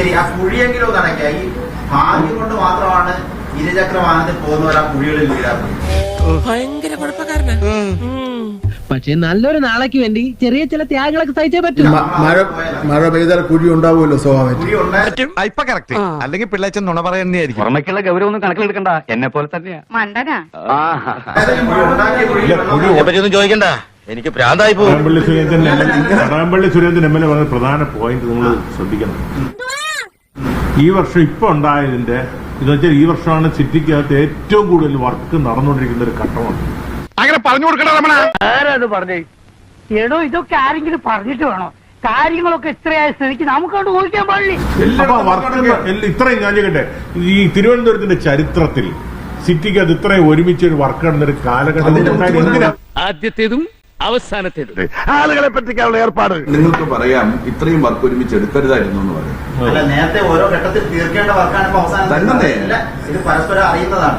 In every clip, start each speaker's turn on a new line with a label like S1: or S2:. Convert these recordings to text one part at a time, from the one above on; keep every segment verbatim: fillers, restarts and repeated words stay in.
S1: ശരി, ആ കുഴിയെങ്കിലും നടക്കായി ഭാഗ്യം കൊണ്ട് മാത്രമാണ് ഇരുചക്ര വാഹനത്തിൽ പോകുന്നവർ ആ കുഴികളിൽ വീഴാത്തത്.
S2: ഭയങ്കര കുഴപ്പക്കാരനാ.
S3: പക്ഷെ നല്ലൊരു നാളേക്ക് വേണ്ടി ചെറിയ ചില ത്യാഗങ്ങളൊക്കെ സഹിച്ചേ പറ്റൂ.
S4: മഴ മഴ പെയ്താൽ കുഴി ഉണ്ടാവുമല്ലോ സ്വാഭാവികം.
S1: കുഴി ഉണ്ടായി
S5: ഇപ്പൊ കറക്റ്റ്. അല്ലെങ്കിൽ പിള്ളേച്ചൻ നുണ പറയുന്നതായിരിക്കും.
S6: പുറമേക്കുള്ള ഗൗരവം ഒന്നും കണക്കിലെടുക്കണ്ട, എന്നെ പോലെ തന്നെയാ.
S7: മണ്ടനാ.
S1: ഉണ്ടാക്കിയ കുഴി
S6: ചോദിക്കണ്ട, എനിക്ക് പ്രാന്തായി പോകും.
S8: Kadakampally Surendran Kadakampally Surendran M L A പറഞ്ഞ പ്രധാന പോയിന്റ് നിങ്ങൾ ശ്രദ്ധിക്കണം. ഈ വർഷം ഇപ്പൊ ഉണ്ടായതിന്റെ ഇതെന്ന് വെച്ചാൽ ഈ വർഷമാണ് സിറ്റിക്കകത്ത് ഏറ്റവും കൂടുതൽ വർക്ക് നടന്നുകൊണ്ടിരിക്കുന്ന ഒരു ഘട്ടമാണ്.
S5: അങ്ങനെ പറഞ്ഞു കൊടുക്കണ രമണ.
S3: ആരാണ് പറഞ്ഞേ?
S9: എടോ, ഇതൊക്കെ ആരെങ്കിലും പറഞ്ഞിട്ട് വേണോ? കാര്യങ്ങളൊക്കെ ഇത്രയായ സ്ഥിതിക്ക് നമുക്കോട്ട് ഊഹിക്കാൻ പാടില്ല.
S8: അപ്പൊ വർക്ക് ഇത്രയും ഞാൻ ചെയ്യട്ടെ, ഈ തിരുവനന്തപുരത്തിന്റെ ചരിത്രത്തിൽ സിറ്റിക്കകത്ത് ഇത്രയും ഒരുമിച്ച് ഒരു വർക്ക് നടന്നൊരു കാലഘട്ടം എന്തിനാ?
S2: ആദ്യത്തേതും അവസാനത്തേതും
S5: ആളുകളെ പറ്റിക്കാനുള്ള ഏർപ്പാട്.
S10: നിങ്ങൾക്ക് പറയാം ഇത്രയും വർക്ക് ഒരുമിച്ച് എടുക്കരുതായിരുന്നു എന്ന് പറയും.
S1: അല്ല, നേരത്തെ ഓരോ ഘട്ടത്തിൽ തീർക്കേണ്ട വർക്കാണ് ഇപ്പൊ അവസാനം.
S10: തന്നെ.
S1: ഇത് പരസ്പരം അറിയുന്നതാണ്.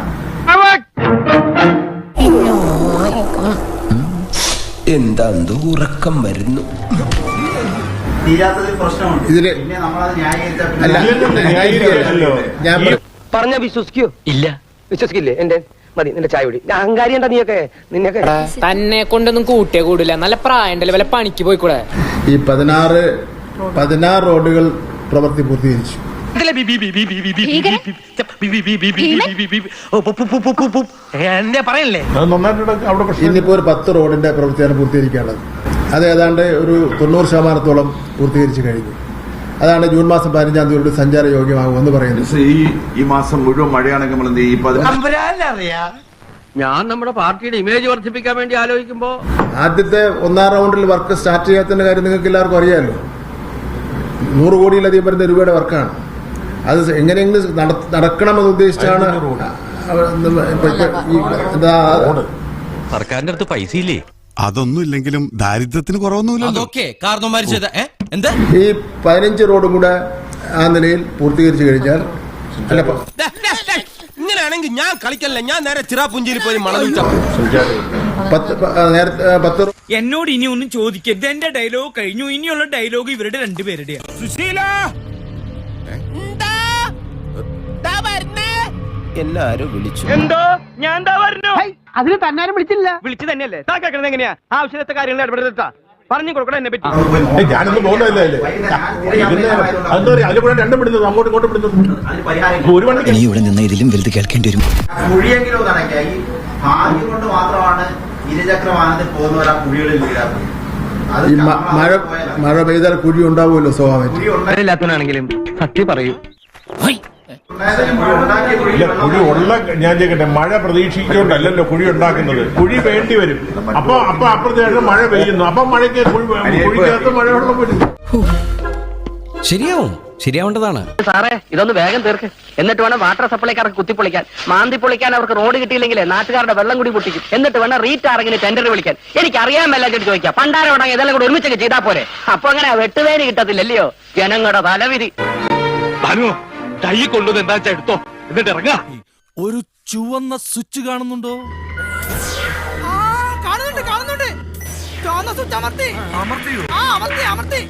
S11: എന്താ ഉറക്കം വരുന്നു.
S1: തീരാത്തതിൽ പ്രശ്നമുണ്ട്.
S4: ഇതില്
S1: പിന്നെ നമ്മളത് ന്യായീകരിച്ചാൽ
S4: അല്ല,
S1: പിന്നെ
S4: ന്യായീകരിക്കല്ലോ. ഞാൻ
S3: പറഞ്ഞ വിശ്വസിക്കോ? ഇല്ല, വിശ്വസിക്കില്ലേ? എന്റെ മതി, നിന്റെ ചായ കുടി. അഹങ്കാരി എന്താ നീയൊക്കെ? നിന്നൊക്കെ
S2: തന്നെ കൊണ്ടൊന്നും കൂട്ടിയേ കൂടില്ല. നല്ല പ്രായം ഉണ്ടല്ലേ, വല്ല പണിക്ക് പോയിക്കൂടെ?
S4: ഈ പതിനാറ് പതിനാറ് റോഡുകൾ പ്രവൃത്തി പൂർത്തീകരിച്ചു.
S2: എന്നെ പറയല്ലേ?
S8: അത് നന്നായിട്ട് അവിടെ പ്രശ്നം.
S4: ഇന്നിപ്പോ ഒരു പത്ത് റോഡിന്റെ പ്രവൃത്തിയാണ് പൂർത്തീകരിക്കാനുള്ളത്. അത് ഏതാണ്ട് ഒരു തൊണ്ണൂറ് ശതമാനത്തോളം പൂർത്തീകരിച്ചു കഴിഞ്ഞു. അതാണ് ജൂൺ മാസം പതിനഞ്ചാം തീയതി സഞ്ചാര യോഗ്യമാകുമെന്ന് പറയുന്നത്.
S10: ഈ ഈ മാസം മുഴുവൻ മഴയാണെങ്കിൽ നമ്മൾ എന്ത് ചെയ്യും? ഈ പതിനഞ്ച്
S3: ഞാൻ നമ്മുടെ പാർട്ടിയുടെ ഇമേജ് വർദ്ധിപ്പിക്കാൻ വേണ്ടി ആലോചിക്കുമ്പോ
S4: ആദ്യത്തെ ഒന്നാം റൗണ്ടിൽ വർക്ക് സ്റ്റാർട്ട് ചെയ്യാത്തതിന്റെ കാര്യം നിങ്ങൾക്ക് എല്ലാവർക്കും അറിയാമല്ലോ. നൂറ് കോടിയിലധികം വരുന്ന രൂപയുടെ വർക്കാണ്. അത് എങ്ങനെയെങ്കിലും നടക്കണമെന്ന് ഉദ്ദേശിച്ചാണ്.
S6: സർക്കാരിന്റെ അടുത്ത് പൈസ ഇല്ലേ?
S5: അതൊന്നും ഇല്ലെങ്കിലും ദാരിദ്ര്യത്തിന് കുറവൊന്നുമില്ലല്ലോ.
S4: ഈ പതിനഞ്ച് റോഡും കൂടെ ആ നിലയിൽ പൂർത്തീകരിച്ചു കഴിഞ്ഞാൽ അല്ല,
S11: ഇങ്ങനെയാണെങ്കിൽ ഞാൻ കളിക്കല്ല, ഞാൻ നേരെ ചിറാപുഞ്ചിയിൽ പോയി മണൽ
S4: പത്ത് നേരത്തെ പത്ത്
S2: എന്നോട് ഇനി ഒന്നും ചോദിക്കരുത്. എന്റെ ഡയലോഗ് കഴിഞ്ഞു. ഇനിയുള്ള ഡയലോഗ് ഇവരുടെ രണ്ടുപേരുടെയാണ്.
S11: എല്ലാരും വിളിച്ചു.
S3: എന്തോ ഞാൻ എന്താ പറഞ്ഞു?
S9: അതിന് തന്നാരും വിളിച്ചില്ല.
S3: വിളിച്ചു തന്നെയല്ലേ? താ കേൾക്കണത് എങ്ങനെയാ? ആവശ്യത്തെ കാര്യങ്ങൾ ഇടപെടുത്താ പറഞ്ഞു കൊടുക്കണം എന്നെ പറ്റി.
S8: ഏയ് ഞാനൊന്നും പോകുന്നതല്ലേ. അതെന്താ പറയാ, അതിൽ കൂടെ രണ്ടും വിടുന്നത്, അങ്ങോട്ടും ഇങ്ങോട്ടും വിടുന്നത്.
S1: അതിന് പരിഹാരം
S8: ഒരു വണ്ടി
S11: നീ ഇവിടെ നിന്ന് ഇതിലും വലുത് കേൾക്കേണ്ടി വരും.
S1: കുഴിയെങ്കിലും നടക്കായി ഭാഗ്യം കൊണ്ട് മാത്രമാണ് ഇരുചക്ര വാഹനത്തിൽ പോകുന്നവർ ആ കുഴികളിൽ വീഴാത്തത്. അത്
S4: ഈ മ- മഴ മഴ പെയ്താൽ കുഴി ഉണ്ടാവുമല്ലോ സ്വാഭാവികം.
S1: കുഴി ഉണ്ടായി
S3: ഇല്ലാത്തവനാണെങ്കിലും സത്യം പറയൂ.
S1: ഉണ്ടായതിന് കുഴി ഉണ്ടാക്കിയ കുഴിയിൽ
S8: ഇല്ല, കുഴി ഉള്ള ഞാൻ ചെയ്യട്ടെ, മഴ പ്രതീക്ഷിച്ചുകൊണ്ടല്ലോ കുഴി ഉണ്ടാക്കുന്നത്. കുഴി വേണ്ടി വരും. അപ്പൊ അപ്പൊ അപ്പുറത്തേക്ക് മഴ പെയ്യുന്നു. അപ്പൊ മഴയ്ക്ക് കുഴി കുഴിക്കകത്ത് മഴവെള്ളം വരും.
S11: ശരിയാവും, ശരിയാവേണ്ടതാണ്.
S3: സാറേ, ഇതൊന്ന് വേഗം തീർക്ക്. എന്നിട്ട് വേണം വാട്ടർ സപ്ലൈക്കാർക്ക് കുത്തിപ്പൊളിക്കാൻ. മാന്തി പൊളിക്കാൻ അവർക്ക് റോഡ് കിട്ടിയില്ലെങ്കിൽ നാട്ടുകാരുടെ വെള്ളം കൂടി പൊട്ടിക്കും. എന്നിട്ട് വേണം റീറ്റ് ആരെങ്കിലും ടെൻഡർ വിളിക്കാൻ. എനിക്ക് അറിയാൻ മേലായിട്ട് ചോദിക്കാം. പണ്ടാരം ഇതെല്ലാം കൂടി ഒരുമിച്ചൊക്കെ ചെയ്താൽ പോരെ? അപ്പൊ അങ്ങനെ വെട്ടുവേലി കിട്ടത്തില്ലല്ലയോ? ജനങ്ങളുടെ തലവിധി.
S6: കൈ കൊണ്ടുവന്ന് എന്താ വെച്ചാ എടുത്തോ, എന്നിട്ട് ഇറങ്ങാ.
S11: ഒരു ചുവന്ന സ്വിച്ച് കാണുന്നുണ്ടോ?
S9: കാണുന്നുണ്ട്, കാണുന്നുണ്ട്. ചുവന്ന സ്വിച്ച് അമർത്തി. അമർത്തി, അമർത്തി.